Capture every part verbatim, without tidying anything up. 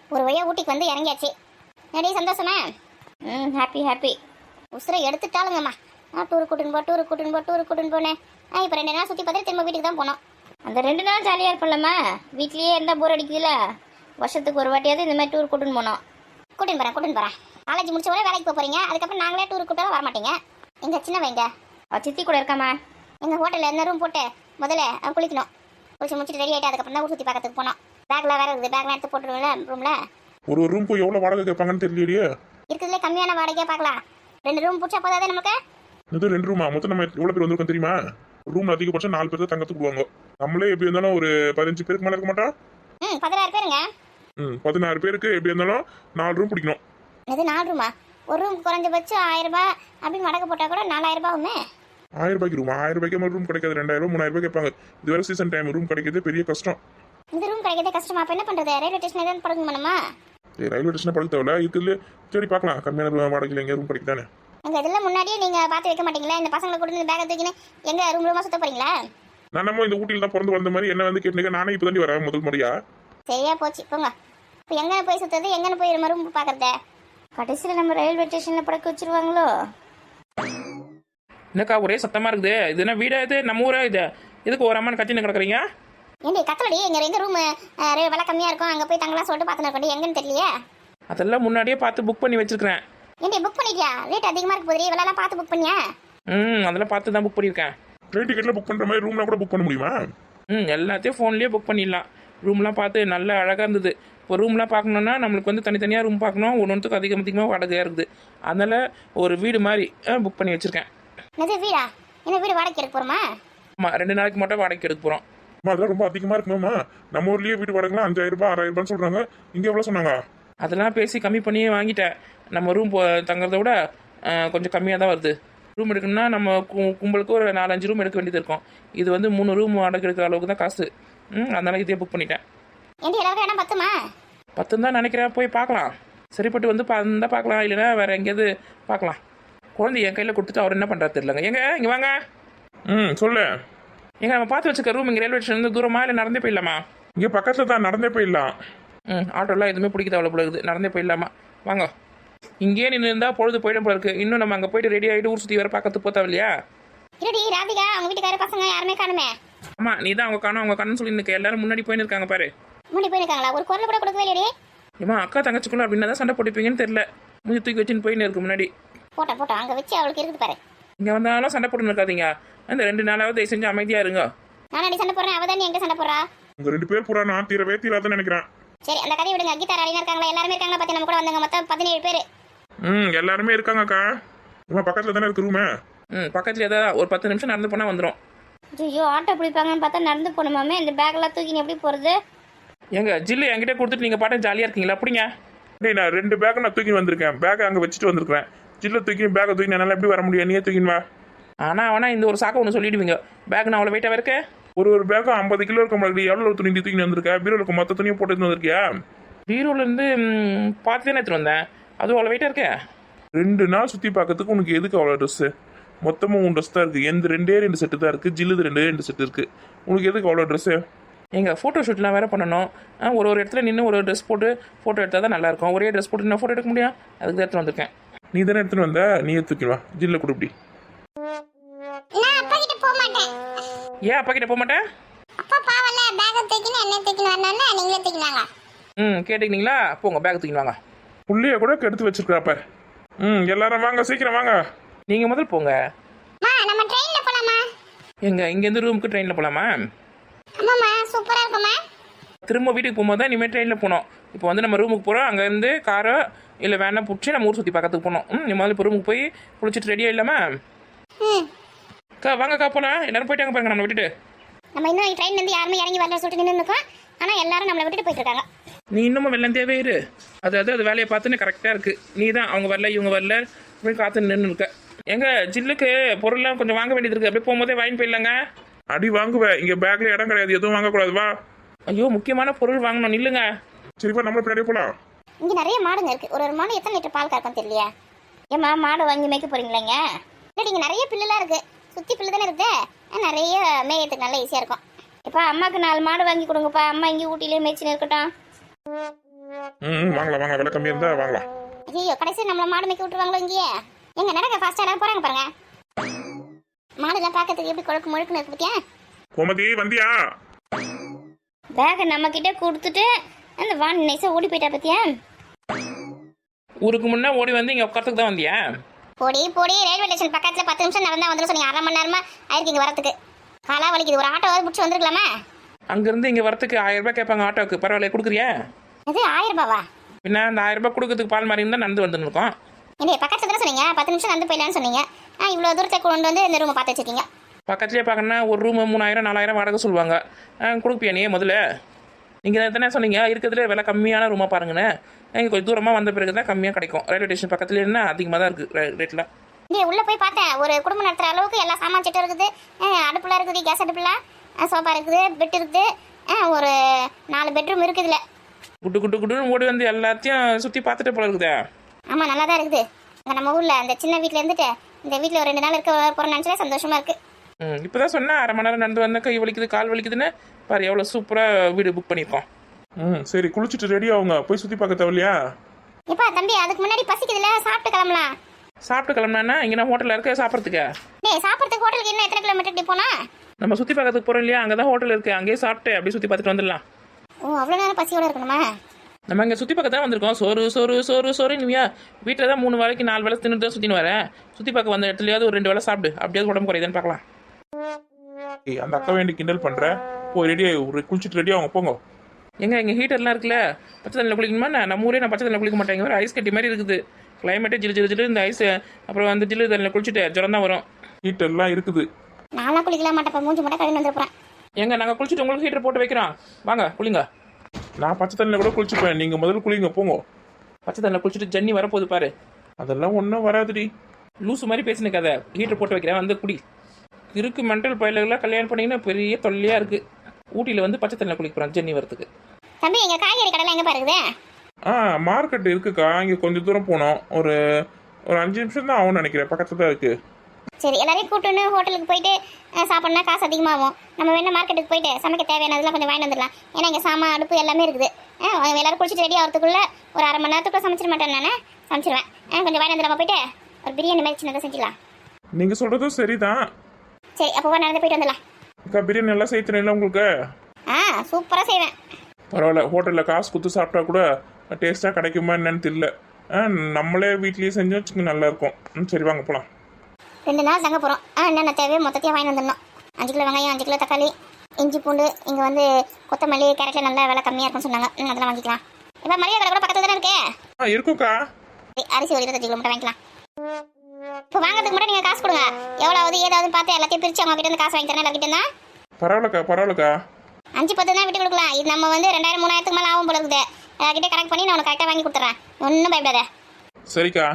ஒரு வழியாக ஊட்டிக்கு வந்து இறங்கியாச்சு. நிறைய சந்தோஷமா? ம் ஹாப்பி ஹாப்பி. உசுரை எடுத்துட்டாலுங்கம்மா. நான் டூருக்கு கூட்டின்னு போ டூருக்கு கூட்டின்னு போ டூருக்கு கூட்டின்னு போனேன். ஆ இப்போ ரெண்டு நாள் சுற்றி பார்த்துட்டு திரும்ப வீட்டுக்கு தான் போனோம். அந்த ரெண்டு நாள் ஜாலியாக இருப்போம்லம்மா. வீட்லேயே இருந்தால் போர் அடிக்குதுல்ல. வருஷத்துக்கு ஒரு வாட்டியாவது இந்த மாதிரி டூர் கூட்டின்னு போனோம். கூட்டின்னு போகிறேன் கூட்டின்னு போகிறேன். காலேஜ் முடிச்ச உடனே வேலைக்கு போக போகிறீங்க. அதுக்கப்புறம் நாங்களே டூருக்கு கூட்டாலும் வர மாட்டீங்க. எங்கள் சின்ன வைங்க சித்தி கூட இருக்காம்மா. எங்கள் ஹோட்டலில் என்ன ரூம் போட்டு முதல்ல குளிக்கணும். குளிச்சு முடிச்சுட்டு ரெடி ஆகிட்டு அதுக்கப்புறம் தான் ஊர் சுற்றி பார்க்கறதுக்கு போனோம். பேக்கில் வேறு இருக்குது. பேக்லாம் எடுத்து போட்டுருவோம்ல ரூமில். ஒரு ஒரு ரூமுக்கு எவ்வளோ வாடகை கேட்பாங்கன்னு தெரியலையே. இருக்கிறதுலே கம்மியான வாடகையாக பார்க்கலாம். ரெண்டு ரூம் பிடிச்சா போதாதே நமக்கு. இது ரெண்டு ரூமா? மொத்தம் நம்ம எவ்வளோ பேர் வந்திருக்கோம் தெரியுமா? ரூம்ல அதிகபட்சம் நாலு பேர் தான் தங்கத்துக்கு விடுவாங்க. நம்மளே எப்படி இருந்தாலும் ஒரு பதினஞ்சு பேருக்கு மேலே இருக்க மாட்டோம். ம் பதினாறு பேருங்க. ம் பதினாறு பேருக்கு எப்படி இருந்தாலும் நாலு ரூம் பிடிக்கணும். இது நாலு ரூமா? ஒரு ரூம் குறைஞ்சபட்சம் ஆயிரம் ரூபாய் அப்படின்னு வாடகை போட்டால் கூட நாலாயிரம் ரூபாய் ஆகுமே. ஆயிரம் ரூபாய்க்கு ரூம்? ஆயிரம் ரூபாய்க்கு மேலே ரூம் கிடைக்காது. ரெண்டாயிரம் ரூபாய் மூணாயிரம் ரூபாய் கேட்பாங்க. இது வேற சீசன் டைம். ரூம் கிடைக்கிறதே பெரிய கஷ்டம். இந்த ரூம் கிடைக்கிறதே கஷ்டமா? அப்போ என்ன பண்ணுறது? ரயில்வே ஸ்டேஷன் எதாவது படுங்க பண்ணுமா? ஏ ரயில்வே ஸ்டேஷனை படுக்க தேவையில்ல. இருக்குதுல சரி பார்க்கலாம். கம்மியான வாடகையில் எங்கே ரூம் கிடைக்குதானே. எங்கள் இதெல்லாம் முன்னாடியே நீங்கள் பார்த்து வைக்க மாட்டீங்களா? இந்த பசங்களை கொண்டு வந்து பேக்கை தூக்கின்னு எங்கள் ரூம் ரூமாக சுத்த போறீங்களா? நான் நம்ம இந்த ஊட்டியில் தான் பிறந்து வந்த மாதிரி என்ன வந்து கேட்டுங்க. நானே இப்போ தாண்டி வரேன் முதல் முறையா. சரியா போச்சு போங்க. இப்போ எங்கே போய் சுற்றுறது? எங்கன்னு போய் நம்ம ரூம் பார்க்குறத? கடைசியில் நம்ம ரயில்வே ஸ்டேஷனில் படுக்க வச்சிருவாங்களோ? என்னக்கா ஒரே சத்தமாக இருக்குது? இது என்ன வீடா? இது நம்ம ஊரா? இது இதுக்கு ஒரு அம்மான்னு கத்தின்னு கிடக்குறீங்க? ஏண்டி கத்தலடி. எங்கள் எங்கள் ரூம் விலை கம்மியாக இருக்கும். அங்கே போய் தங்கலாம் சொல்லிட்டு பார்த்துன்னு இருக்கோம். எங்கன்னு தெரியலையே. அதெல்லாம் முன்னாடியே பார்த்து புக் பண்ணி வச்சிருக்கிறேன். ஏண்டி புக் பண்ணிட்டியா? ரேட் அதிகமாக இருக்கு போதுரி. இவளெல்லாம் பார்த்து புக் பண்ணியா? ம் அதெல்லாம் பார்த்து தான் புக் பண்ணியிருக்கேன். ட்ரெயின் டிக்கெட்டில் புக் பண்ணுற மாதிரி ரூம்லாம் கூட புக் பண்ண முடியுமா? ம் எல்லாத்தையும் ஃபோன்லேயே புக் பண்ணிடலாம். ரூம்லாம் பார்த்து நல்லா அழகாக இருந்தது. இப்போ ரூம்லாம் பார்க்கணுன்னா நம்மளுக்கு வந்து தனித்தனியாக ரூம் பார்க்கணும். ஒன்று ஒன்றுத்துக்கு அதிகம் அதிகமாக வாடகையாக இருக்குது. அதனால் ஒரு வீடு மாதிரி புக் பண்ணி வச்சுருக்கேன். என்னது வீடா? என்ன வீடு வாடகைக்கு எடுக்க போகிறோமா? ஆமாம் ரெண்டு நாளைக்கு மட்டும் வாடகைக்கு எடுக்க போகிறோம். அதெல்லாம் ரொம்ப அதிகமாக இருக்குமாம்மா. நம்ம ஊர்லேயே வீட்டு வாடகைலாம் அஞ்சாயிரம் ரூபாய் ஆறாயிரம் ரூபான்னு சொல்கிறாங்க. இங்கே எவ்வளோ சொன்னாங்க? அதெல்லாம் பேசி கம்மி பண்ணியே வாங்கிட்டேன். நம்ம ரூம் போ தங்குறத விட கொஞ்சம் கம்மியாக தான் வருது. ரூம் எடுக்கணும்னா நம்ம கு கும்பலுக்கு ஒரு நாலஞ்சு ரூம் எடுக்க வேண்டியது இருக்கும். இது வந்து மூணு ரூம் வாடகை எடுக்கிற அளவுக்கு தான் காசு. ம் அதனால் இதே புக் பண்ணிட்டேன். ஏண்டி எல்லாருக்கும் இடம் பத்துமா? பத்துன்னு தான் நினைக்கிறேன். போய் பார்க்கலாம். சரிப்பட்டு வந்து இருந்தால் பார்க்கலாம். இல்லைன்னா வேறு எங்கேயாவது பார்க்கலாம். குழந்தை என் கையில் கொடுத்துட்டு அவர் என்ன பண்ணுறாரு தெரியலங்க. எங்க இங்கே வாங்க. ம் சொல்லு. எங்க நம்ம பார்த்து வச்சுக்க ரூம் இங்கே ரயில்வே ஸ்டேஷன் தூரமா இல்லை நடந்தே போயிடலாமா? இங்கே பக்கத்தில் தான், நடந்தே போயிடலாம். ம் ஆட்டோலாம் எதுவுமே பிடிக்க அவ்வளோ போல இருக்குது. நடந்தே போயிடலாமா? வாங்க. இங்கேயே நின்று இருந்தால் பொழுது போயிடும் போல இருக்கு. இன்னும் நம்ம அங்கே போயிட்டு ரெடி ஆகிட்டு ஊர் சுற்றி வர பார்க்கறதுக்கு போத்தா இல்லையா? இருடி ராதிகா அவங்க வீட்டுக்கார பசங்க யாருமே காணுமே. ஆமாம் நீ தான் அவங்க காணும் அவங்க காணும்னு சொல்லி நிற்க. எல்லாரும் முன்னாடி போயின்னு இருக்காங்க பாரு. முன்னாடி போயிருக்காங்களா? ஒரு குரல் கூட கொடுக்கவே இல்லையே. ஏமா அக்கா தங்கச்சிக்குள்ள அப்படின்னா தான் சண்டை போட்டுப்பீங்கன்னு தெரியல. முடிஞ்சு தூக்கி வச்சுன்னு போயின்னு இருக்கு முன்னாடி. போட்டா போட்டா அங்கே வச்சு அவளுக்கு இருக்குது பாரு. இங்கே வந்தாலும் சண்டை போட்டுன்னு இருக்காதீங்க. அந்த ரெண்டு நாளாவது தயவு செஞ்சு அமைதியாக இருங்க. நானடி சண்டை போடுறேன். அவதான் நீ எங்கே சண்டை போடுறா? உங்கள் ரெண்டு பேர் பூரா நான் தீரவே தீராதுன்னு நினைக்கிறேன். சரி அந்த கதையை விடுங்க. கீதா ராணினா இருக்காங்களா? எல்லாருமே இருக்காங்களா? பார்த்து நம்ம கூட வந்தாங்க மொத்தம் பதினேழு பேர். ம் எல்லாருமே இருக்காங்கக்கா. இம்மா பக்கத்தில் தானே இருக்கு ரூமு. ம் பக்கத்துல ஏதாவது ஒரு பத்து நிமிஷம் நடந்து போனால் வந்துடும். ஐயோ ஆட்டோ பிடிப்பாங்கன்னு பார்த்தா நடந்து போகணுமாமே. இந்த பேக்கெல்லாம் தூக்கி எப்படி போகிறது? எங்க ஜில்லு என்கிட்ட கொடுத்துட்டு நீங்கள் பாட்டு ஜாலியாக இருக்கீங்களா? அப்படிங்க டேய் நான் ரெண்டு பேக்கை நான் தூக்கி வந்திருக்கேன். பேக்கை அங்கே வச்சுட்டு வந்திருக்கேன். ஜில்ல தூக்கி பேக்கை தூக்கி என்னால் எப்படி வர முடியும்? நீயே தூக்கின்னு வா. ஆனால் ஆனால் இந்த ஒரு சாக்கை ஒன்று சொல்லிடுவீங்க. பேக் நான் அவ்வளோ வெயிட்டாக இருக்கேன். ஒரு ஒரு பேக்கும் ஐம்பது கிலோ இருக்க மாதிரி. எவ்வளோ துணி தூக்கி வந்திருக்கேன்? பீரோலுக்கு மொத்த துணியை போட்டு வந்திருக்கியா? பீரோலேருந்து பார்த்து தானே எடுத்துகிட்டு வந்தேன். அதுவும் அவ்வளோ வெயிட்டாக இருக்கேன். ரெண்டு நாள் சுற்றி பார்க்கறதுக்கு உனக்கு எதுக்கு அவ்வளோ ட்ரெஸ்ஸு? மொத்தமாக உன் ட்ரெஸ் தான் இருக்குது. எந்த ரெண்டே ரெண்டு செட்டு தான் இருக்குது. ஜில்லுது ரெண்டே ரெண்டு செட்டு இருக்குது. உனக்கு எதுக்கு அவ்வளோ ட்ரெஸ்ஸு? எங்கள் ஃபோட்டோ ஷூட்லாம் வேறு பண்ணணும். ஒரு ஒரு இடத்துல நின்று ஒரு ட்ரெஸ் போட்டு ஃபோட்டோ எடுத்தால் தான் நல்லாயிருக்கும். ஒரே ட்ரெஸ் போட்டு நான் ஃபோட்டோ எடுக்க முடியும். அதுக்கு தான் எடுத்துகிட்டு வந்திருக்கேன். நீ தானே எடுத்துன்னு வந்த, நீ எடுத்துக்கி வா. ஜில்ல கொடுப்பி. நான் அப்பா கிட்ட போக மாட்டேன். ஏன் அப்பா கிட்ட போக மாட்டேன்? அப்பா பாவல்ல பேக்கை தூக்கின்னு என்ன தூக்கின்னு வரணும்னா நீங்களே தூக்கினாங்க. ம் கேட்டுக்கிட்டீங்களா? போங்க பேக் தூக்கின்னு வாங்க. புள்ளைய கூட கெடுத்து வச்சிருக்காப்ப. ம் எல்லாரும் வாங்க, சீக்கிரம் வாங்க. நீங்கள் முதல் போங்க. மா நம்ம ட்ரெயின்ல போலாமா? எங்க இங்கேருந்து ரூமுக்கு ட்ரெயினில் போகலாமா? ஆமாம்மா சூப்பராக இருக்குமா? திரும்ப வீட்டுக்கு போகும்போது தான் இனிமேல் ட்ரெயினில் போனோம். இப்போ வந்து நம்ம ரூமுக்கு போகிறோம். அங்கேருந்து காரோ இல்லை வேணா பிடிச்சி நம்ம ஊர் சுற்றி பார்க்கறதுக்கு போனோம். ம் நீ முதல்ல இப்போ ரூமுக்கு போய் குளிச்சுட்டு ரெடியாக இல்லாமா? ம் அக்கா வாங்கக்கா போகலாம். எல்லாரும் போயிட்டாங்க பாருங்க நம்மளை விட்டுட்டு. நம்ம இன்னும் ட்ரெயின்லேருந்து யாருமே இறங்கி வரல சொல்லிட்டு நின்று இருக்கோம். ஆனால் எல்லாரும் நம்மளை விட்டுட்டு போயிட்டு இருக்காங்க. நீ இன்னமும் வெள்ளந்தேவே இரு. அது அது அது வேலையை பார்த்துன்னு கரெக்டாக இருக்குது. நீ தான் அவங்க வரல இவங்க வரல அப்படின்னு காத்து நின்று இருக்க. எங்க ஜில்லுக்கு பொருள்லாம் கொஞ்சம் வாங்க வேண்டியது இருக்குது. அப்படியே போகும்போதே வாங்கி போயிடலாங்க. அடி வாங்குவேன். இங்கே பேக்கில் இடம் கிடையாது. எதுவும் வாங்கக்கூடாது. வா. ஐயோ முக்கியமான பொருள் வாங்கணும். நில்லுங்க. சரிப்பா நம்மள பின்னாடியே போகலாம். இங்கே நிறைய மாடுங்க இருக்குது. ஒரு ஒரு மாடு எத்தனை லிட்டர் பால் கறக்கும் தெரியலையா? ஏம்மா மாடு வாங்கி மேய்க்க போகிறீங்களேங்க? இல்லை இங்கே நிறைய பில்லுலாம் இருக்குது. சுற்றி பில்லு தானே இருக்குது. நிறைய மேயத்துக்கு நல்லா ஈஸியாக இருக்கும். இப்போ அம்மாவுக்கு நாலு மாடு வாங்கி கொடுங்கப்பா. அம்மா இங்கே ஊட்டிலே மேய்ச்சின்னு இருக்கட்டும். ம் ம், வாங்கலாம் வாங்க, விலை கம்மியாக இருந்தால் வாங்கலாம். ஐயோ கடைசி நம்மள மாடு மேய்க்க விட்டுருவாங்களோ இங்கேயே. எங்க நடக்க ஃபாஸ்டா எல்லாரும் போறாங்க பாருங்க. மாடுலாம் பார்க்கறதுக்கு எப்படி கொழுக்கு முழுக்குன்னு இருக்கு பத்தியா. கோமதி வந்தியா? பேக நம்ம கிட்ட கொடுத்துட்டு அந்த வான் நைஸா ஓடி போயிட்டா பத்தியா. ஊருக்கு முன்னே ஓடி வந்து இங்கே உட்காரத்துக்கு தான் வந்தியா? போடி போடி, ரயில்வே ஸ்டேஷன் பக்கத்துல பத்து நிமிஷம் நடந்தா வந்துடும் சொன்னீங்க. அரை மணி நேரமா ஆயிருக்கு இங்க வரதுக்கு. காலா வலிக்குது, ஒரு ஆட்டோ பிடிச்சி வந்துருக்கலாமா? அங்கேருந்து இங்கே வரத்துக்கு ஆயிரம் ரூபாய் கேட்பாங்க ஆட்டோவுக்கு. பரவாயில்ல, கொடுக்குறியா? அது ஆயிரம் ரூபாவா? பின்ன அந்த ஆயிரம் ரூபாய் கொடுக்கறதுக்கு பால் மாதிரி தான் நடந்து வந்துன்னு இருக்கோம். என்ன பக்கத்துல தானே சொன்னீங்க, பத்து நிமிஷம் நடந்து போயிடலான்னு சொன்னீங்க. ஆ இவ்வளோ தூரத்தை கொண்டு வந்து இந்த ரூமை பார்த்து வச்சிருக்கீங்க. பக்கத்துலேயே பார்க்கணுன்னா ஒரு ரூமு மூணாயிரம் நாலாயிரம் வாடகை சொல்லுவாங்க. கொடுப்பியா நீ முதல்ல? நீங்கள் தானே சொன்னீங்க இருக்கிறதுல விலை கம்மியான ரூமாக பாருங்கண்ணே. இங்கே கொஞ்சம் தூரமாக வந்த பிறகு தான் கம்மியாக கிடைக்கும். ரயில்வே ஸ்டேஷன் பக்கத்துல என்ன அதிகமாக தான் இருக்குது ரேட்டில். இங்கே உள்ளே போய் பார்த்தேன், ஒரு குடும்பம் நடத்துகிற அளவுக்கு எல்லா சாமான் செட்டும் இருக்குது. அடுப்புலாம் இருக்குது, கேஸ் அடுப்புலாம், சோஃபா இருக்குது, பெட் இருக்குது, ஒரு நாலு பெட்ரூம் இருக்குதுல. குட்டு குட்டு குட்டுன்னு ஓடி வந்து எல்லாத்தையும் சுற்றி பார்த்துட்டு போல இருக்குதே. ஆமாம் நல்லா தான் இருக்குது. இங்கே நம்ம ஊரில் அந்த சின்ன வீட்டில் இருந்துட்டு இந்த வீட்டில் ஒரு ரெண்டு நாள் இருக்க போகிற நினச்சா சந்தோஷமாக இருக்குது. ம் இப்போ தான் சொன்னேன் அரை மணி நேரம் நடந்து வந்தேன், கை வலிக்குது கால் வலிக்குதுன்னு. பாரு எவ்வளோ சூப்பராக வீடு புக் பண்ணியிருக்கோம். ம் சரி, குளிச்சுட்டு ரெடி ஆகுங்க, போய் சுற்றி பார்க்க தேவையில்லையா? எப்பா தம்பி அதுக்கு முன்னாடி பசிக்குதுல, சாப்பிட்டு கிளம்பலாம். சாப்பிட்டு கிளம்புனா இங்கே நான் ஹோட்டலில் இருக்க சாப்பிட்றதுக்கு. டேய் சாப்பிட்றதுக்கு ஹோட்டலுக்கு இன்னும் எத்தனை கிலோமீட்டர் இப்படி போனா? நம்ம சுற்றி பார்க்கறதுக்கு போகிறோம் இல்லையா, அங்கே தான் ஹோட்டல் இருக்குது. அங்கேயே சாப்பிட்டு அப்படியே சுற்றி பார்த்துட்டு வந்துடலாம். ஓ அவ்வளோ நேரம் பசியோட இருக்கணுமா? நம்ம இங்கே சுற்றி பார்க்க தான் வந்திருக்கோம். சோறு சோறு சோறு சோறு நீவியா வீட்டில் தான் மூணு வேலைக்கு நாலு வேலை தின்னுட்டு தான் சுற்றின்னு வரேன். சுற்றி பார்க்க வந்த இடத்துலையாவது ஒரு ரெண்டு வேலை சாப்பிடு, அப்படியாவது உடம்பு குறையுதுன்னு பார்க்கலாம். ஏய், அந்த அக்கா வேண்டி கிண்டல் பண்ணுறேன். போய் ரெடி ஆகி குளிச்சுட்டு ரெடி ஆகுங்க போங்க. எங்க எங்கள் ஹீட்டர்லாம் இருக்குல்ல, பச்சை தண்ணியில் குளிக்கணுமா? நான் நம்ம ஊரே நான் பச்சை தண்ணியில் குளிக்க மாட்டேங்க, ஒரு ஐஸ் கட்டி மாதிரி இருக்குது. கிளைமேட்டே ஜிலு ஜிலு ஜிலு இந்த ஐஸ். அப்புறம் வந்து ஜில்லு தண்ணியில் குளிச்சுட்டு ஜுரம் தான் வரும். ஹீட்டர்லாம் இருக்குது. நான்லாம் குளிக்கலாம் மாட்டேன், மூஞ்சி மட்டும் கழுவி வந்துருப்பேன். எங்க நாங்கள் குளிச்சுட்டு உங்களுக்கு ஹீட்டர் போட்டு வைக்கிறோம், வாங்க குளிங்க. நான் பச்சை தண்ணியில் கூட குளிச்சுப்பேன், நீங்கள் முதல்ல குளிங்க போங்க. பச்சை தண்ணியில் குளிச்சுட்டு ஜன்னி வரப்போகுது பாரு. அதெல்லாம் ஒன்றும் வராதுடி. லூசு மாதிரி பேசின கதை. ஹீட்டர் போட்டு வைக்கிறேன் வந்து குடி. இருக்கு மென்டல் பயிலெல்லாம் கல்யாணம் பண்ணிங்கன்னா பெரிய தொல்லையாக இருக்குது. ஊட்டியில் வந்து பச்சை தண்ணியில் குளிக்கிறோம் ஜன்னி வரத்துக்கு. தம்பி எங்க காய்கறி கடையில் எங்க பாருக்குது? ஆ மார்க்கெட் இருக்குக்கா, இங்கே கொஞ்சம் தூரம் போனோம். ஒரு ஒரு அஞ்சு நிமிஷம் தான் ஆகும்னு நினைக்கிறேன், பக்கத்தில் தான் இருக்குது. சரி எல்லாரையும் கூப்பிட்டுன்னு ஹோட்டலுக்கு போயிட்டு சாப்பிட்னா காசு அதிகமாகும். நம்ம வேணா மார்க்கெட்டுக்கு போயிட்டு சமைக்க தேவையானதெல்லாம் கொஞ்சம் வாங்கிட்டு வந்துடலாம். ஏன்னா இங்கே சாமான் அடுப்பு எல்லாமே இருக்குது. எல்லாரும் குளிச்சுட்டு ரெடி ஆகிறதுக்குள்ள ஒரு அரை மணி நேரத்துக்குள்ள சமைச்சிட மாட்டேன், நான் சமைச்சிருவேன். கொஞ்சம் வாங்கிட்டு வந்துடாம போயிட்டு ஒரு பிரியாணி மாதிரி சின்னதாக செஞ்சிடலாம். நீங்கள் சொல்கிறதும் சரிதான். சரி அப்போ நடந்து போயிட்டு வந்துடலாம். அக்கா பிரியாணி நல்லா செய்யணும் உங்களுக்கு? ஆ சூப்பராக செய்வேன். பரவாயில்ல, ஹோட்டலில் காசு கொடுத்து சாப்பிட்டா கூட டேஸ்ட்டாக கிடைக்குமா என்னன்னு தெரியல. ஆ நம்மளே வீட்லேயே செஞ்சு வச்சுக்க நல்லாயிருக்கும். ம் சரி வாங்க போகலாம். ரெண்டு நாள் தங்க போகிறோம். ஆ என்னென்ன தேவையோ மொத்தத்தையும் வாங்கி வந்துடணும். அஞ்சு கிலோ வெங்காயம், அஞ்சு கிலோ தக்காளி, இஞ்சி பூண்டு, இங்கே வந்து கொத்தமல்லி கேரட்டில் நல்லா விலை கம்மியாக இருக்கும்னு சொன்னாங்க. ம் அதெல்லாம் வாங்கிக்கலாம். இப்போ மளிகை கடை கூட பக்கத்தில் தானே இருக்கே. ஆ இருக்கும்க்கா. அரிசி ஒரு இருபத்தஞ்சு கிலோ மட்டும் வாங்கிக்கலாம். இப்போ வாங்குறதுக்கு மட்டும் நீங்கள் காசு கொடுங்க. எவ்வளோ ஆகுது ஏதாவது பார்த்து எல்லாத்தையும் பிரித்து அவங்க கிட்ட இருந்து காசு வாங்கி தரேன். எல்லாக்கிட்ட இருந்தா பரவாயில்லக்கா பரவாயில்லக்கா. அஞ்சு பத்து தான் விட்டு கொடுக்கலாம். இது நம்ம வந்து ரெண்டாயிரம் மூணாயிரத்துக்கு மேலே ஆகும் போல இருக்குது. எல்லாக்கிட்டே கரெக்ட் பண்ணி நான் உனக்கு கரெக்டாக வாங்கி கொடுத்துட்றேன், ஒன்றும் பயப்படாத. சரிக்கா.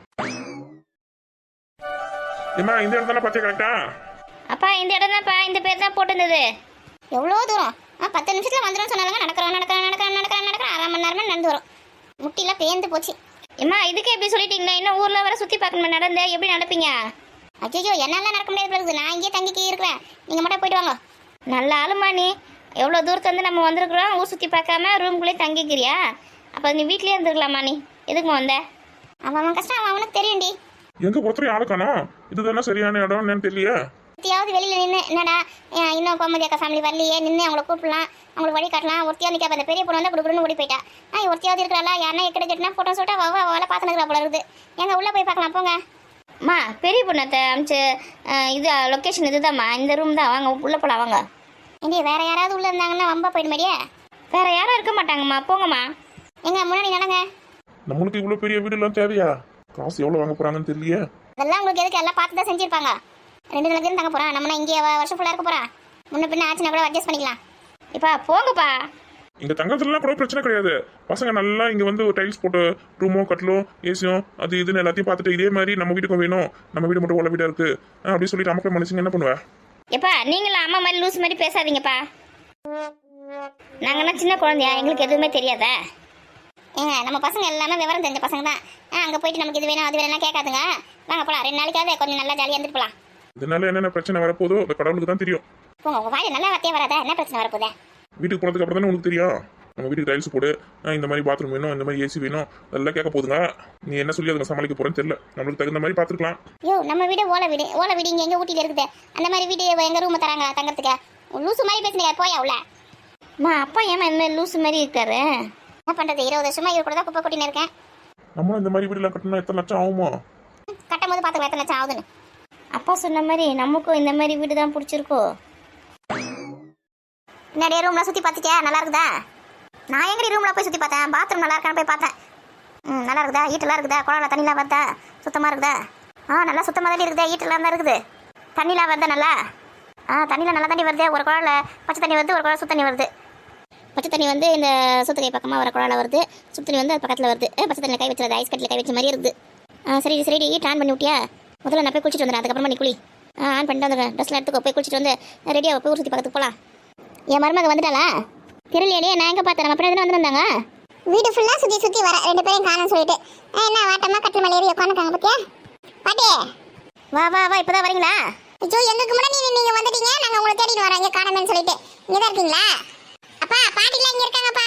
ஏம்மா இந்த இடம் தானே பச்சை கரெக்டா? அப்பா இந்த இடம் தான்ப்பா, இந்த பேர் தான் போட்டுருந்தது. எவ்வளோ தூரம்? ஆ பத்து நிமிஷத்தில் வந்துடும் சொன்னாங்க. நடக்கிறோம் நடக்கிறோம் நடக்கிறோம் நடக்கிறோம் நடக்கிறோம் அரை மணி நேரமே நடந்து வரும். முட்டிலாம் பேர்ந்து போச்சு. ஏம்மா இதுக்கு எப்படி சொல்லிட்டீங்களா? இன்னும் ஊரில் வர சுற்றி பார்க்கணும் நடந்து எப்படி நடப்பீங்க? அச்சோ என்னால நடக்க முடியாது இருக்குது. நான் இங்கேயே தங்கிக்கி இருக்கிறேன், நீங்கள் மட்டும் போயிட்டு வாங்க. நல்ல ஆளுமா நீ. எவ்வளோ தூரத்து வந்து நம்ம வந்திருக்கிறோம், ஊர் சுற்றி பார்க்காம ரூம்குள்ளேயே தங்கிக்கிறியா? அப்போ நீ வீட்லேயே இருந்துருக்கலாமா? நீ எதுக்குமா வந்த? அவன் அவன் கஷ்டம் அவன் அவனுக்கு தெரியும்டி. எங்க பொறுத்தவரை ஆளுக்கானா இதுதானே சரியான இடம் என்னன்னு தெரியல. ஒருத்தியாவது வெளியில் நின்று என்னடா இன்னும் கோமதி அக்கா ஃபேமிலி வரலையே, நின்று அவங்கள கூப்பிடலாம், அவங்களுக்கு வழி காட்டலாம். ஒருத்தியா நிற்க அந்த பெரிய பொண்ணு வந்து கொடுக்குறன்னு ஓடி போயிட்டா. ஆ ஒருத்தியாவது இருக்கிறாளா? யாருன்னா எக்கட கட்டினா ஃபோட்டோ சோட்டா வவ அவளை பார்த்துனுக்குறா போல இருக்குது. எங்க உள்ளே போய் பார்க்கலாம் போங்க. அம்மா பெரிய பொண்ணத்தை அமிச்சு இது லொக்கேஷன் இதுதான்மா, இந்த ரூம் தான், வாங்க உள்ளே போகலாம் வாங்க. இங்கே வேற யாராவது உள்ளே இருந்தாங்கன்னா வம்பா போயிடுமாடியே. வேற யாரும் இருக்க மாட்டாங்கம்மா, போங்கம்மா. எங்க முன்னாடி நடங்க. நம்மளுக்கு இவ்வளவு பெரிய வீடு எல்லாம் தேவையா? காசு எவ்வளவு வாங்க போறாங்கன்னு தெரியல. அதெல்லாம் உங்களுக்கு எதுக்கு, எல்லாம் பார்த்து தான் செஞ்சிருப்பாங்க. ரெண்டு நாளைக்கு தங்க போறான், நம்ம இங்கே வருஷம் ஃபுல்லாக இருக்க போறான். முன்ன பின்ன ஆச்சுன்னா கூட அட்ஜஸ்ட் பண்ணிக்கலாம். இப்பா போங்கப்பா. இங்க தங்கறதுலாம் கூட பிரச்சனை கிடையாது. பசங்க நல்லா இங்க வந்து டைல்ஸ் போட்டு ரூமோ கட்டலோ ஏசியும் அது இதுன்னு எல்லாத்தையும் பார்த்துட்டு இதே மாதிரி நம்ம வீட்டுக்கும் வேணும், நம்ம வீடு மட்டும் உள்ள வீடா இருக்கு அப்படின்னு சொல்லிட்டு அமக்க மனுஷங்க என்ன பண்ணுவா? எப்பா நீங்களும் அம்மா மாதிரி லூஸ் மாதிரி பேசாதீங்கப்பா. நாங்கன்னா சின்ன குழந்தையா, எங்களுக்கு எதுவுமே தெரியாதா? ஏங்க நம்ம பசங்க எல்லாமே விவரம் தெரிஞ்ச பசங்க தான். ஆ அங்கே போயிட்டு நமக்கு இது வேணும் அது வேணும்னா கேட்காதுங்க. வாங்க போகலாம், ரெண்டு நாளைக்காவது கொஞ்சம் நல்லா ஜாலியாக இருந்துட்டு போகலாம். இதனால என்னென்ன பிரச்சனை வரப்போதோ அந்த கடவுளுக்கு தான் தெரியும். போங்க, உங்கள் வாயில் நல்லா வார்த்தையே வராதா? என்ன பிரச்சனை வரப்போதே? வீட்டுக்கு போனதுக்கு அப்புறம் தானே உங்களுக்கு தெரியும். நம்ம வீட்டுக்கு டைல்ஸ் போடு, அஹ் இந்த மாதிரி பாத்ரூம் வேணும், இந்த மாதிரி ஏசி வேணும், அதெல்லாம் கேட்க போதுங்க. நீ என்ன சொல்லி அதுங்க சமாளிக்க போறேன்னு தெரியல. நம்மளுக்கு தகுந்த மாதிரி பார்த்துக்கலாம். யோ நம்ம வீடு ஓலை வீடு ஓலை வீடு இங்கே எங்கள் ஊட்டியில் இருக்குது. அந்த மாதிரி வீடு எங்கள் ரூமை தராங்களா தங்கறதுக்கு? லூசு மாதிரி பேசுனீங்க, போயா உள்ள. அம்மா அப்பா ஏமா இந்த மாதிரி லூசு மாதிரி இருக்காரு? என்ன பண்ணுறது, இருபது வருஷமா இவர் கூட தான் குப்பை கொட்டின்னு இருக்கேன். நம்மளும் இந்த மாதிரி வீடுலாம் கட்டணும்னா எத்தனை லட்சம் ஆகுமோ? கட்டும் போது பார்த்துக்கலாம் எத்தனை லட்சம் ஆகுதுன்னு. அப்பா சொன்ன மாதிரி நமக்கும் இந்த மாதிரி வீடு தான் பிடிச்சிருக்கோ. நிறைய ரூம்லாம் சுற்றி பார்த்துட்டியா? நல்லா இருக்குதா? நான் எங்கடி ரூமில் போய் சுற்றி பார்த்தேன், பாத்ரூம் நல்லா இருக்கான்னு போய் பார்த்தேன். ம் நல்லா இருக்குதா? ஈட்டெல்லாம் இருக்குதா? குழாயில் தண்ணிலாம் வருதா? சுத்தமாக இருக்குதா? ஆ நல்லா சுத்தமாக தாண்டி இருக்குதா? ஈட்டெல்லாம் தான் இருக்குது. தண்ணிலாம் வருதா நல்லா? ஆ தண்ணியில் நல்லா தண்ணி வருது. ஒரு குழாயில் பச்சை தண்ணி வருது, ஒரு குழாயில் சுத்தண்ணி வருது. பச்சை தண்ணி வந்து இந்த சுத்தகை பக்கமாக வர குழாயில் வருது, சுத்த தண்ணி வந்து அது பக்கத்தில் வருது. பச்சை தண்ணியில் கை வச்சுருது, ஐஸ் கட்டில் கை வச்ச மாதிரி இருக்குது. ஆ சரி சரிடி, ட்ரான் பண்ணி விட்டியா? முதல்ல நான் போய் குளிச்சுட்டு வந்துடுறேன், அதுக்கப்புறமா நீ குளி. ஆ ஆன் பண்ணிட்டு வந்துடுறேன். ட்ரெஸ்லாம் எடுத்துக்கோ, போய் குளிச்சுட்டு வந்து ரெடியாக போய் ஊர் சுற்றி பார்த்துட்டு போகலாம். என் மருமக வந்துட்டாளா? தெரியலையே, நான் எங்கே பார்த்தேன்? நம்ம பின்னாடி வந்துருந்தாங்க. வீடு ஃபுல்லாக சுற்றி சுற்றி வர ரெண்டு பேரும் காணும்னு சொல்லிட்டு என்ன வாட்டமாக கட்டில் மேலே ஏறி உட்காந்துருக்காங்க பார்த்தியா? பாட்டி வா வா வா, இப்போ தான் வரீங்களா? ஐயோ எங்களுக்கு முன்னாடி நீங்கள் வந்துட்டீங்க, நாங்கள் உங்களை தேடிட்டு வரோம் இங்கே காணுமேன்னு சொல்லிட்டு. இங்கே தான் இருக்கீங்களா? அப்பா பாட்டிலாம் இங்கே இருக்காங்கப்பா.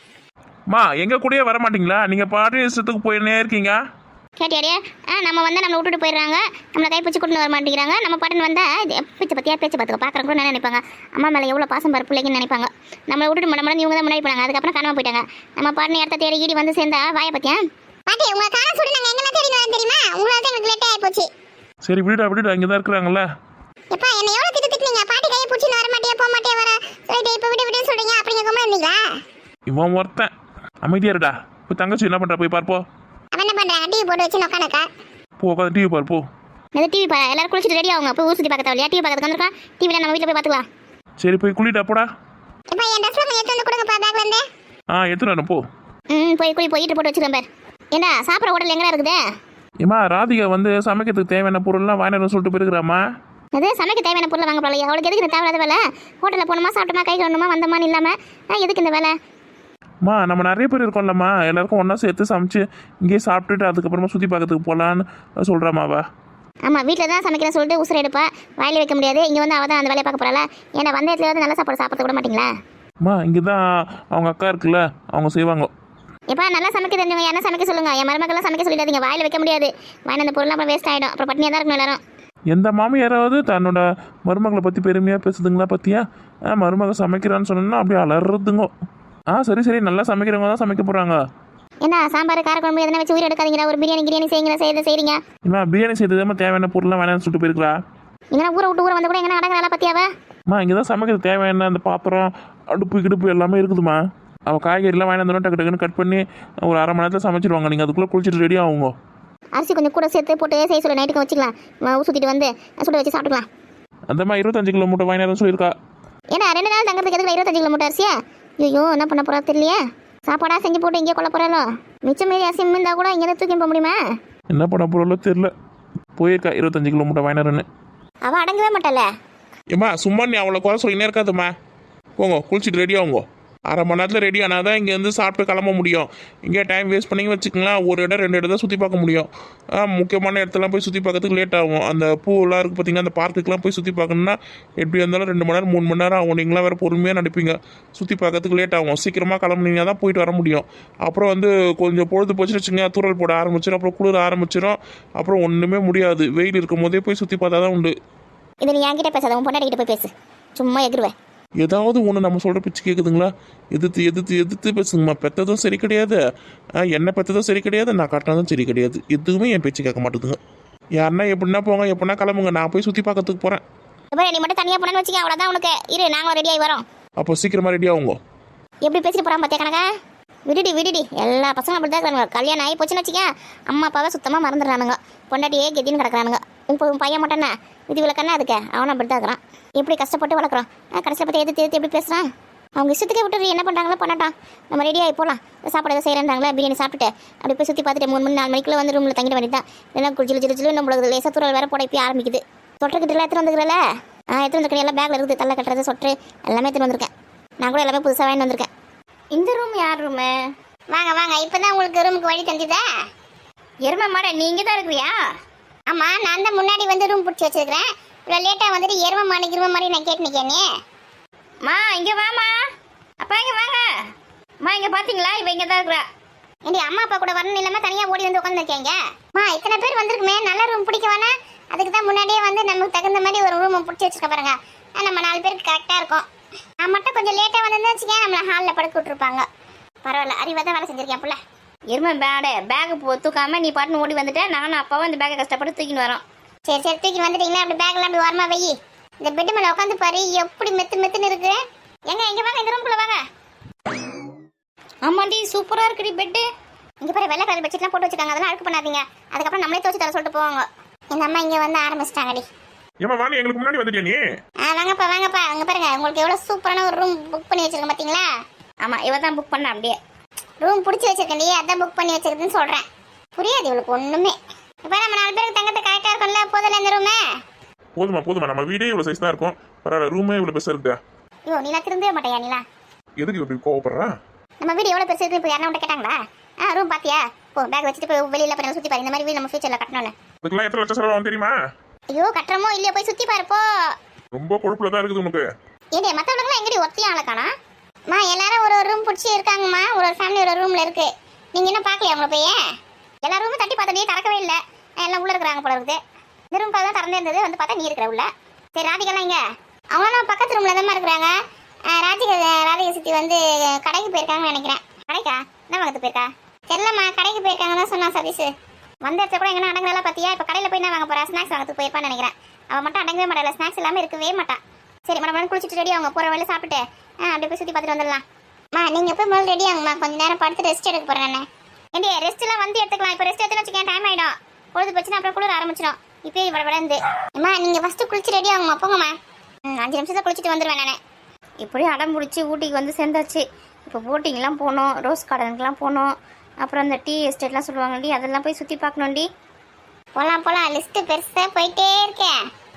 மா எங்க கூடயே வர மாட்டீங்களா? நீங்க பாட்டு இஷ்டத்துக்கு போயினே இருக்கீங்க. கேட்டியாடியா? ஆ நம்ம வந்தால் நம்மளை விட்டுட்டு போயிடுறாங்க, நம்மளை கைப்பிடிச்சு கூட்டின்னு வர மாட்டேங்கிறாங்க. நம்ம பாட்டுன்னு வந்தால் இது பேச்சு பற்றியா பேச்சு பார்த்துக்க பார்க்குறவங்க கூட என்ன நினைப்பாங்க, அம்மா மேலே எவ்வளோ பாசம் பாரு பிள்ளைங்கன்னு நினைப்பாங்க. நம்மளை விட்டுட்டு மட மடம் இவங்க தான் முன்னாடி போனாங்க, அதுக்கப்புறம் காணாமல் போயிட்டாங்க. நம்ம பாட்டுன்னு இடத்த தேடி ஈடி வந்து சேர்ந்தா வாயை பற்றியா? பாட்டி உங்களை காண சொல்லி நாங்கள் எங்கே தேடி வரோம் தெரியுமா? உங்களால் தான் எங்களுக்கு லேட்டாக போச்சு. சரி விடுடா விடுடா, இங்கே தான் இருக்கிறாங்களே. எப்பா என்ன எவ்வளோ திட்டு திட்டுனீங்க? பாட்டி கையை பிடிச்சின்னு வர மாட்டியா போக மாட்டியா வர சொல்லிட்டு இப்போ விட்டு விட்டுன்னு சொல்கிறீங்க. அப்படிங்க கம்மல் இருந்தீங்களா? இவன் ஒருத்தன் அமைதியா இருடா. இப்போ தங்கச்சி என்ன பண்றா போய் பார்ப்போம். அவன் என்ன பண்ணுறாங்க? டிவி போட்டு வச்சு உட்காந்துக்கா. போ உட்காந்து டிவி பாரு போ. அது டிவி பா, எல்லாரும் குளிச்சுட்டு ரெடி ஆகுங்க, போய் ஊர் சுற்றி பார்க்க தேவையா? டிவி பார்க்கறதுக்கு வந்துருக்கா, டிவியில் நம்ம வீட்டில் போய் பார்த்துக்கலாம். சரி போய் குளிடா போடா. இப்போ என் ட்ரெஸ்ல கொஞ்சம் எடுத்து வந்து கொடுங்கப்பா பேக்ல இருந்து. ஆ எடுத்துட்டு வரேன் போ. ம் போய் குளி போய் ஈட்டு போட்டு வச்சுக்கிறேன் பார். ஏண்டா சாப்பிட்ற ஹோட்டல் எங்கடா இருக்குது? ஏமா ராதிகா வந்து சமைக்கிறதுக்கு தேவையான பொருள்லாம் வாங்கிட்டு சொல்லிட்டு போயிருக்கிறாமா. அது சமைக்க தேவையான பொருளை வாங்க போகல, அவளுக்கு எதுக்கு இந்த தேவையில்லாத வேலை? ஹோட்டலில் போகணுமா, சாப்பிட்டோமா, கை கழுவணுமா, வந்தோமான்னு இல்லாமல் எதுக்கு இந்த வேலை? மா நம்ம நிறைய பேர் இருக்கோம்லம்மா, எல்லாருக்கும் ஒன்றா சேர்த்து சமைச்சு இங்கேயே சாப்பிட்டுட்டு அதுக்கப்புறமா சுற்றி பார்க்கறதுக்கு போகலான்னு சொல்கிறாமாவா. ஆமாம் வீட்டில் தான் சமைக்கிறேன்னு சொல்லிட்டு உசுரை எடுப்பா, வாயில வைக்க முடியாது. இங்கே வந்து அவள் தான் அந்த வேலையை பார்க்க போகிறாளா? ஏன்னா வந்த இடத்துல வந்து நல்ல சாப்பாடு சாப்பிட விட மாட்டீங்களா? அம்மா இங்கே தான் அவங்க அக்கா இருக்குல்ல, அவங்க செய்வாங்க. எப்பா நல்லா சமைக்க தெரிஞ்சவங்க என்ன சமைக்க சொல்லுங்கள். என் மருமக்கெல்லாம் சமைக்க சொல்லிடாதீங்க, வாயில வைக்க முடியாது. வாங்கின அந்த பொருள்லாம் அப்புறம் வேஸ்ட் ஆகிடும், அப்புறம் பட்டினியாக தான் இருக்கணும் எல்லாரும். எந்த மாமியாராவது தன்னோட மருமகளை பற்றி பெருமையாக பேசுதுங்களா பற்றியா? மருமக சமைக்கிறான்னு சொன்னோன்னா அப்படியே அலறதுங்க. ஆ சரி சரி, நல்லா சமைக்கிறவங்க தான் சமைக்க போகிறாங்க. என்ன சாம்பார் காரக்குழம்பு எதனா வச்சு உயிர் எடுக்காதீங்களா? ஒரு பிரியாணி கிரியாணி செய்யுங்க, செய்யறத செய்றீங்க. இம்மா பிரியாணி செய்ததுமா தேவையான பொருள்லாம் வேணாம்னு சொல்லிட்டு போயிருக்கிறா. இங்கே ஊரை விட்டு ஊரை வந்து கூட எங்கன்னா அடங்குறாளா பற்றியாவா? அம்மா இங்கே தான் சமைக்கிறது தேவையான அந்த பாத்திரம் அடுப்பு கிடுப்பு எல்லாமே இருக்குதுமா. அவள் காய்கறிலாம் வாங்கி வந்தோன்னா டக்கு டக்குன்னு கட் பண்ணி ஒரு அரை மணி நேரத்தில் சமைச்சிடுவாங்க. நீங்கள் அதுக்குள்ளே குளிச்சுட்டு ரெடி ஆகுங்க. அரிசி கொஞ்சம் கூட சேர்த்து போட்டு செய்ய சொல்ல, நைட்டுக்கு வச்சுக்கலாம், சுற்றிட்டு வந்து சுட வச்சு சாப்பிட்டுக்கலாம். அந்த மாதிரி இருபத்தஞ்சு கிலோ மூட்டை வாங்கினாரும் சொல்லியிருக்கா. ஏன்னா ரெண்டு நாள் தங்கிறதுக்கு எதுக்கு இருபத்தஞ்சு கிலோ மூட்டை அரிசியா? ஐயோ என்ன பண்ண போறா தெரியலையே. சாப்பாடா செஞ்சு போட்டு இங்கே கொள்ள போறாளோ? மிச்சம் மீறி அரிசி இருந்தால் கூட இங்கே தூக்கி போக முடியுமா? என்ன பண்ண போகிறோம்ல தெரியல. போயிருக்கா இருபத்தஞ்சு கிலோ மூட்டை வாங்கினாருன்னு. அவள் அடங்கவே மாட்டாள. ஏம்மா சும்மா நீ அவ்வளோ குறை சொல்லினே இருக்காதும்மா. போங்க குளிச்சுட்டு ரெடி ஆகுங்க. அரை மணி நேரத்தில் ரெடி ஆனால் தான் இங்கேருந்து சாப்பிட்டு கிளம்ப முடியும். இங்கே டைம் வேஸ்ட் பண்ணி வச்சுக்கலாம், ஒரு இடம் ரெண்டு இடம் தான் சுற்றி பார்க்க முடியும். முக்கியமான இடத்துலாம் போய் சுற்றி பார்க்கறதுக்கு லேட் ஆகும். அந்த பூவெல்லாம் இருக்குது பார்த்தீங்கன்னா, அந்த பார்க்குக்கெலாம் போய் சுற்றி பார்க்கணுன்னா எப்படி இருந்தாலும் ரெண்டு மணி நேரம் மூணு மணி நேரம் ஆகும். நீங்களாம் வேறு பொறுமையாக நடிப்பீங்க, சுற்றி பார்க்கறதுக்கு லேட் ஆகும். சீக்கிரமாக கிளம்புனீங்கன்னா தான் போயிட்டு வர முடியும். அப்புறம் வந்து கொஞ்சம் பொழுது போச்சுன்னு வச்சுங்க, தூரல் போட ஆரம்பிச்சிடும், அப்புறம் குளிர ஆரம்பிச்சிடும், அப்புறம் ஒன்றுமே முடியாது. வெயில் இருக்கும் போதே போய் சுற்றி பார்த்தா தான் உண்டு. இது நீ என்கிட்ட பேசாத, உன் பொண்டாட்டிகிட்ட போய் பேசு, சும்மா எகிருவேன். ஏதாவது ஒன்று நம்ம சொல்கிற பிச்சு கேட்குதுங்களா? எதிர்த்து எதிர்த்து எதிர்த்து பேசுங்கம்மா. பெற்றதும் சரி கிடையாது, என்ன பெற்றதும் சரி கிடையாது, நான் காட்டினதும் சரி கிடையாது. எதுவுமே என் பேச்சு கேட்க மாட்டேதுங்க. யாருன்னா எப்படின்னா போங்க, எப்படின்னா கிளம்புங்க, நான் போய் சுற்றி பார்க்கறதுக்கு போகிறேன். நீ மட்டும் தனியாக போனேன்னு வச்சுக்க, அவ்வளோதான் உனக்கு. இரு நாங்களும் ரெடி ஆகி வரோம். அப்போ சீக்கிரமாக ரெடி ஆகுங்க. எப்படி பேசிட்டு போகிறான் பார்த்தியா கணக்கா? விடுடி விடுடி, எல்லா பசங்களும் அப்படி தான் இருக்கிறாங்க. கல்யாணம் ஆகி போச்சுன்னு வச்சுக்க, அம்மா அப்பாவை சுத்தமாக மறந்துடுறானுங்க, பொண்டாட்டியே கெத்தின்னு கிடக்குறானுங்க. இப்போ உன் பையன் மட்டும்னா விதி விளக்கன்னா அதுக்கு அவனை அப்படி தான் இருக்கிறான். எப்படி கஷ்டப்பட்டு வளர்க்குறோம், கடைசியில் பற்றி எதிர்த்து எதிர்த்து எப்படி பேசுகிறான்? அவங்க இஷ்டத்துக்கே விட்டு என்ன பண்ணுறாங்களோ பண்ணட்டான். நம்ம ரெடியாகி போகலாம். சாப்பாடு எதாவது செய்கிறேன்றாங்களா, பிரியாணி சாப்பிட்டுட்டு அப்படி போய் சுற்றி பார்த்துட்டு மூணு மணி நாலு மணிக்குள்ளே வந்து ரூமில் தங்கிட வேண்டியதான். இதெல்லாம் குளிச்சு ஜிலு ஜிலு நம்மளுக்கு லேசாக தூரல் வேறு போட இப்போ ஆரம்பிக்குது. சொட்டர்கிட்டலாம் எடுத்துகிட்டு வந்துக்கிறல? ஆ எடுத்துகிட்டு வந்துருக்கேன், எல்லாம் பேக்கில் இருக்குது, தலை கட்டுறது சொட்டு எல்லாமே எடுத்துகிட்டு வந்திருக்கேன். நான் கூட எல்லாமே புதுசாக வாங்கி வந்திருக்கேன். இந்த ரூம் யார் ரூமு? வாங்க வாங்க, இப்போ தான் உங்களுக்கு ரூமுக்கு வழி தந்துதா? எருமை மாட நீங்கள் தான் இருக்கிறியா? ஆமாம், நான் தான் முன்னாடி வந்து ரூம் பிடிச்சி வச்சுருக்கிறேன். இவ்வளோ லேட்டாக வந்துட்டு எருமை மாடு இரும மாதிரி நான் கேட்டு நிற்கேனே. மா இங்கே வாமா, அப்பா இங்கே வாங்க. அம்மா இங்க பாத்தீங்களா இவ இங்க தான் இருக்கா. ஏண்டி அம்மா அப்பா கூட வரணும் இல்லாம தனியா ஓடி வந்து உட்காந்துருக்கீங்க. அம்மா இத்தனை பேர் வந்திருக்குமே, நல்ல ரூம் பிடிக்க வேணா, அதுக்கு தான் முன்னாடியே வந்து நமக்கு தகுந்த மாதிரி ஒரு ரூம் பிடிச்சி வச்சிருக்க பாருங்க. நம்ம நாலு பேருக்கு கரெக்டா இருக்கும். நான் மட்டும் கொஞ்சம் லேட்டா வந்திருந்தா வச்சுக்கேன், நம்மள ஹாலில் படுக்க விட்டுருப்பாங்க. பரவாயில்ல, அறிவா தான் வேலை செஞ்சிருக்கேன் புள்ள. இருமை பேடு பேகு தூக்காம நீ பாட்டுன்னு ஓடி வந்துட்டேன். நானும் அப்பாவும் அந்த பேக்கை கஷ்டப்பட்டு தூக்கின்னு வரோம். சரி சரி தூக்கி வந்துட்டீங்களா, அப்படி பேக்லாம் அப்படி ஓரமா வை. இந்த பெட் மேல உட்காந்து பாரு எப்படி மெத்து மெத்துன்னு இருக்கு. எங்க இங்க வாங்க, இந்த ரூம்குள்ள வாங்க. ஆமாண்டி சூப்பரா இருக்குடி பெட்டு. இங்க பாரு வெள்ளை கலர் பெட்ஷீட்லாம் போட்டு வச்சிருக்காங்க, அதெல்லாம் அழுக்கு பண்ணாதீங்க. அதுக்கப்புறம் நம்மளே துவச்சு தர சொல்லிட்டு போவாங்க. எங்க அம்மா இங்க வந்து ஆரம்பிச்சிட்டாங்கடி. ஏமா வாணி எங்களுக்கு முன்னாடி வந்துட்டியா நீ? ஆ வாங்கப்பா வாங்கப்பா, அங்க பாருங்க உங்களுக்கு எவ்வளவு சூப்பரான ஒரு ரூம் புக் பண்ணி வச்சிருக்கேன் பாத்தீங்களா. ஆமா இவ தான் புக் பண்ண, அப்படியே ரூம் பிடிச்சி வச்சிருக்கேன், அதான் புக் பண்ணி வச்சிருக்குன்னு சொல்றேன். புரியாது இவளுக்கு ஒண்ணுமே. இப்ப நம்ம நாலு பேருக்கு தங்கத்தை கரெக்டா இருக்கும்ல, போதும்ல இந்த ரூமே. போதுமா போதுமா, நம்ம வீடே இவ்வளவு சைஸ் தான் இருக்கும். பரவாயில்ல, ரூமே இவ்வளவு பெருசா இருக்குதா? ஐயோ நீ நான் திருந்தவே மாட்டேயா நீலா. எதுக்கு இப்படி கோவப்படுற? நம்ம வீடு எவ்வளவு பெருசு இருக்கு, இப்போ யாரும் உன்ட்ட கேட்டாங்களா? ஆ ரூம் பாத்தியா, போ பேக் வச்சுட்டு போய் வெளியில போய் சுத்தி பாரு. இந்த மாதிரி வீடு நம்ம ஃபியூச்சர்ல கட்டணும்னு. இதுக்கெல்லாம் எத்தனை லட்சம் செலவாகும் தெரியுமா? ஐயோ கட்டுறமோ இல்லையோ போய் சுத்தி பாரு போ. ரொம்ப கொழுப்புல தான் இருக்குது உனக்கு. ஏண்டே மத்தவங்களுக்குலாம் எங்கடி ஒத்தையும் ஆள காணா? மா எல்லாரும் ஒரு ஒரு ரூம் பிடிச்சி இருக்காங்கம்மா, ஒரு ஒரு ஃபேமிலி ஒரு ரூம்ல இருக்கு. நீங்க என்ன பாக்கலையா உங்களை போய்? எல்லா ரூமும் தட்டி பார்த்தே திறக்கவே இல்லை, எல்லாம் உள்ள இருக்கிறாங்க போல இருக்குது. இந்த ரூம் தான் திறந்தே இருந்தது, வந்து பார்த்தா நீ இருக்கிற உள்ள. சரி ராதிகெல்லாம் இங்க அவங்களாம் பக்கத்து ரூம்ல தான் இருக்கிறாங்க. ராதிகா ராதிகா சித்தி வந்து கடைக்கு போயிருக்காங்கன்னு நினைக்கிறேன். கடைக்கா என்ன வாங்கத்து போயிருக்கா? தெரியலம்மா, கடைக்கு போயிருக்காங்கன்னு தான் சொன்னா சதீஷ். வந்த இடத்துல கூட எங்கன்னா அடங்கலாம் பார்த்தியா? இப்போ கடையில் போய் என்ன வாங்க போறா? ஸ்நாக்ஸ் வாங்கத்துக்கு போயிருப்பான்னு நினைக்கிறேன். அவன் மட்டும் அடங்கவே மாட்டாள், ஸ்நாக்ஸ் இல்லாமல் இருக்கவே மாட்டான். சரி மேடம் குளிச்சுட்டு ரெடி அவங்க போகிற வேலை சாப்பிட்டு ஆ அப்படியே போய் சுற்றி பார்த்துட்டு வந்துடலாம். மா நீங்கள் போய் முதல்ல ரெடி ஆகுமா, கொஞ்சம் நேரம் படுத்து ரெஸ்ட் எடுக்க போகிறேன். நான் ஏண்டி ரெஸ்ட்லாம் வந்து எடுத்துக்கலாம், இப்போ ரெஸ்ட் எடுத்துன்னு வச்சுக்கேன் டைம் ஆகிடும். பொழுது போச்சுன்னா அப்புறம் குளிர ஆரம்பிச்சிடும். இப்போயே இவ்வளோ விடந்து அம்மா நீங்கள் ஃபஸ்ட்டு குளிச்சு ரெடி ஆகுமா, போங்கம்மா. ம் அஞ்சு நிமிஷத்தை குளிச்சுட்டு வந்துடுவேன் நான். இப்படி அடம் பிடிச்சி ஊட்டிக்கு வந்து சேர்ந்தாச்சு. இப்போ போட்டிங்லாம் போகணும், ரோஸ் கார்டனுக்குலாம் போகணும், அப்புறம் அந்த டீ எஸ்டேட்லாம் சொல்லுவாங்கடி, அதெல்லாம் போய் சுற்றி பார்க்கணும்டி. போகலாம் போகலாம், லிஸ்ட்டு பெருசாக போயிட்டே இருக்கேன்.